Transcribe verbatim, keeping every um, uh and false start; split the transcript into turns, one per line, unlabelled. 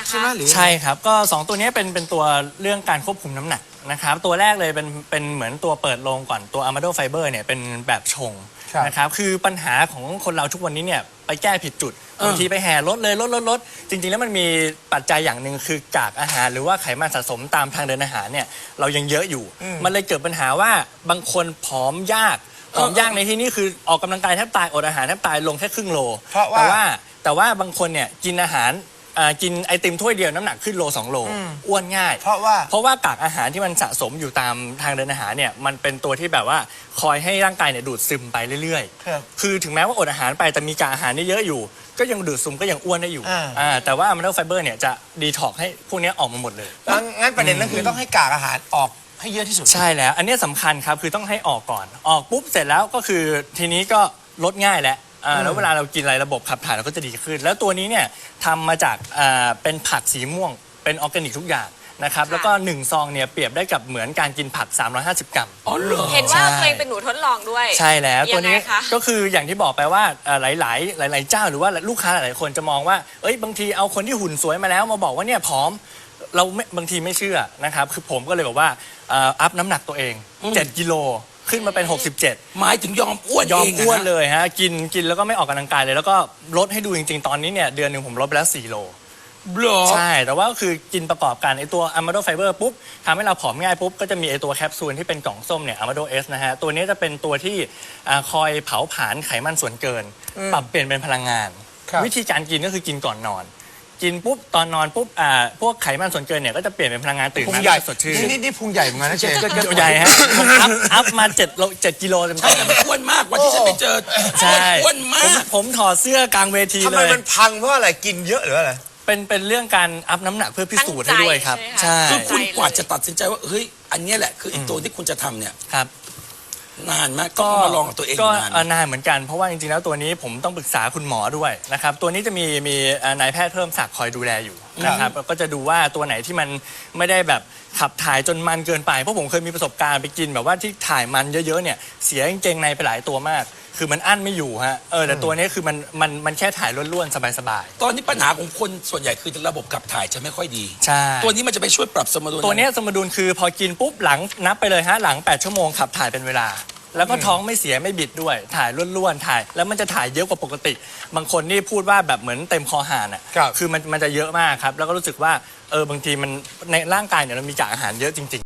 ใช่ไหมหรือ
ใช่ครับก็สองตัวนี้เป็นเป็นตัวเรื่องการควบคุมน้ำหนักนะครับตัวแรกเลยเป็นเป็นเหมือนตัวเปิดโลงก่อนตัว Amado Fiber เนี่ยเป็นแบบชงนะครับคือปัญหาของคนเราทุกวันนี้เนี่ยไปแก้ผิดจุดบางทีไปแห่ลดเลยลดลดลดจริงๆแล้วมันมีปัจจัยอย่างหนึ่งคือกากอาหารหรือว่าไขมันสะสมตามทางเดินอาหารเนี่ยเรายังเยอะอยู่มันเลยเกิดปัญหาว่าบางคนผอมยากผอมยากในที่นี้คือออกกำลังกายแทบตายอดอาหารแทบตายลงแค่ครึ่งโลแต่ว่าแต่ว่าบางคนเนี่ยกินอาหารกินไอติมถ้วยเดียวน้ำหนักขึ้นโลสองโลอ้วนง่าย
เพราะว่า
เพราะว่ากากอาหารที่มันสะสมอยู่ตามทางเดินอาหารเนี่ยมันเป็นตัวที่แบบว่าคอยให้ร่างกายเนี่ยดูดซึมไปเรื่อยๆคือถึงแม้ว่าอดอาหารไปแต่มีกากอาหารนี่เยอะอยู่ก็ยังดูดซึมก็ยังอ้วนได้อยู่อ่าแต่ว่า Amado Fiber เนี่ยจะดีท็อกให้พวกนี้ออกมาหมดเลย
งั้นประเด็นนั่นคือต้องให้กากอาหารออกให้เยอะที่สุด
ใช่แล้วอันนี้สำคัญครับคือต้องให้ออกก่อนออกปุ๊บเสร็จแล้วก็คือทีนี้ก็ลดง่ายแล้วแล้วเวลาเรากินอะไรระบบขับถ่ายเราก็จะดีขึ้นแล้วตัวนี้เนี่ยทำมาจากเป็นผักสีม่วงเป็นออร์แกนิกทุกอย่างนะครับแล้วก็หนึ่งซองเนี่ยเปรียบได้กับเหมือนการกินผักสามร้อยห้าสิบกรัม
อ๋อเหรอเห็นว่าตัวเองเป็นหนูทดลองด้วย
ใช่แล้วตัวนี้ก็คืออย่างที่บอกไปว่าหลายๆหลายๆเจ้าหรือว่าลูกค้าหลายๆคนจะมองว่าเอ้ยบางทีเอาคนที่หุ่นสวยมาแล้วมาบอกว่าเนี่ยผอมเราบางทีไม่เชื่อนะครับคือผมก็เลยบอกว่าอัพน้ำหนักตัวเองเจ็ดกิโลขึ้นมาเป็นหกสิบเจ็ด
หมายถึงยอมอ้วน
ยอมอ้วนเลยฮะกินกินแล้วก็ไม่ออกกำลังกายเลยแล้วก็ลดให้ดูจริงๆตอนนี้เนี่ยเดือนหนึ่งผมลดไปแล้วสี่โลใช่แต่ว่าคือกินประกอบกันไอตัว Amado Fiber ปุ๊บทำให้เราผอมง่ายปุ๊บก็จะมีไอตัวแคปซูลที่เป็นกล่องส้มเนี่ย Amado S นะฮะตัวนี้จะเป็นตัวที่คอยเผาผลาญไขมันส่วนเกินปรับเปลี่ยนเป็นพลังงานวิธีการกินก็คือกินก่อนนอนกินปุ๊บตอนนอนปุ๊บอ่าพวกไขมันส่วนเกินเนี่ยก็จะเปลี่ยนเป็นพลังงานตื่นมาสดชื่น
นี่นี่พุงใหญ่เหมือนกันนะเชฟ
ก็ใหญ่ฮะผมอัพอัพมาเจ็ดโลเจ็ดกิโลเต็มๆ
ใช่แต่มันอ้วนมากวันที่ฉันไปเจอ
ใช่
อ้วนมาก
ผมถอดเสื้อกลางเวทีเลย
ทำไมมันพังเพราะอะไรกินเยอะหรืออะไร
เป็นเป็นเรื่องการอัพน้ำหนักเพื่อพิสูจน์ให้ด้วยครับ
ใช่คือคุณกว่าจะตัดสินใจว่าเฮ้ยอันนี้แหละคืออีกตัวที่คุณจะทำเนี่ย
ครับ
นานมากก็มาลองกับตัวเอง
ก็
นาน
นานเหมือนกันเพราะว่าจริงๆแล้วตัวนี้ผมต้องปรึกษาคุณหมอด้วยนะครับตัวนี้จะมีมีนายแพทย์เพิ่มศักดิ์คอยดูแลอยู่นะครับก็จะดูว่าตัวไหนที่มันไม่ได้แบบขับถ่ายจนมันเกินไปเพราะผมเคยมีประสบการณ์ไปกินแบบว่าที่ถ่ายมันเยอะๆเนี่ยเสียกางเกงในไปหลายตัวมากคือมันอั้นไม่อยู่ฮะเออแต่ตัวนี้คือมันมันมันแค่ถ่ายล้วนๆสบาย
ๆตอนนี้ปัญหาของคนส่วนใหญ่คือระบบขับถ่ายจะไม่ค่อยดี
ใช่
ตัวนี้มันจะไปช่วยปรับสมดุล
ตัวนี้สมดุลคือพอกินปุ๊บหลังนับไปเลยฮะหลังแปดชั่วโมงขับถ่ายเป็นเวลาแล้วก็ท้องไม่เสียไม่บิดด้วยถ่ายล้วนๆถ่ายแล้วมันจะถ่ายเยอะกว่าปกติบางคนนี่พูดว่าแบบเหมือนเต็มคอหานอ่ะคือมันมันจะเยอะมากครับแล้วก็รู้สึกว่าเออบางทีมันในร่างกายเนี่ยเรามีกากอาหารเยอะจริงๆ